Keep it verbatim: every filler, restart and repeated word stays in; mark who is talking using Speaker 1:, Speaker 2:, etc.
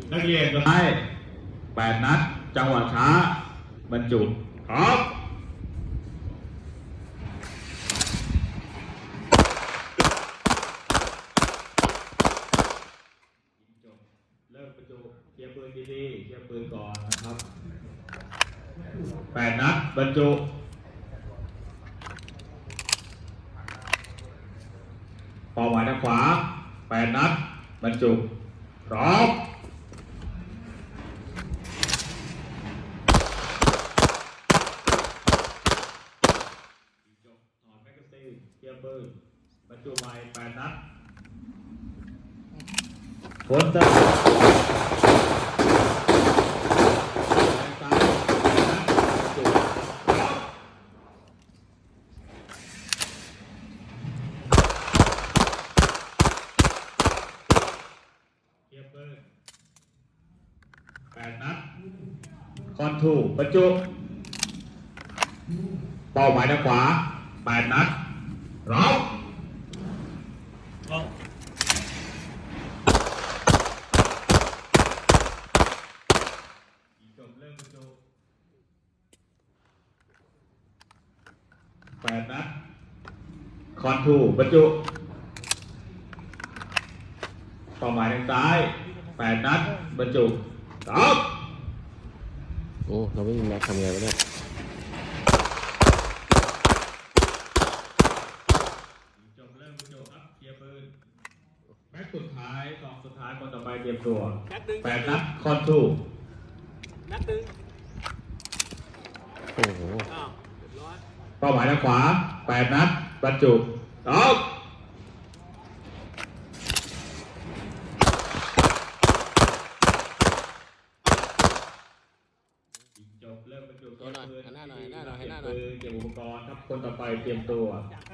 Speaker 1: นักเรียนก็ให้แปดนัดจังหวะช้าบรรจุครับเริ่มบรรจุเคลียร์ปืนดีๆเคลียร์ปืนก่อนนะครับแปดนัดบรรจุเป้าหมายทางขวาแปดนัดบรรจุพร้อมจบถอดแมกกาซีนเคลียร์ปืนบรรจุใหม่แปดนัดผลจะแปดนัดคอนทูบรรจุเป้าหมายทางขวาแปดนัดร้องจบเริ่มบรรจุแปดนัดคอนทูบรรจุเป้าหมายทางซ้ายแปดนัดบรรจุครับ
Speaker 2: โอ้เราไม่มีแม็กทำไงวะเนี่ย
Speaker 1: จบเริ่มจบครับเคลียร์ปืนแม็กสุดท้ายสองสุดท้ายคนต่อไปเตรียมตัวแปดนัดคอนทู
Speaker 3: นัดตึง
Speaker 2: โอ้โห
Speaker 3: อ้าวเรียบร้อย
Speaker 1: เป้าหมายทางขวาแปดนัดบรรจุครับจบเริ่มบรรจุตัวปืนเก็บอุปกรณ์ครับคนต่อไปเตรียมตัว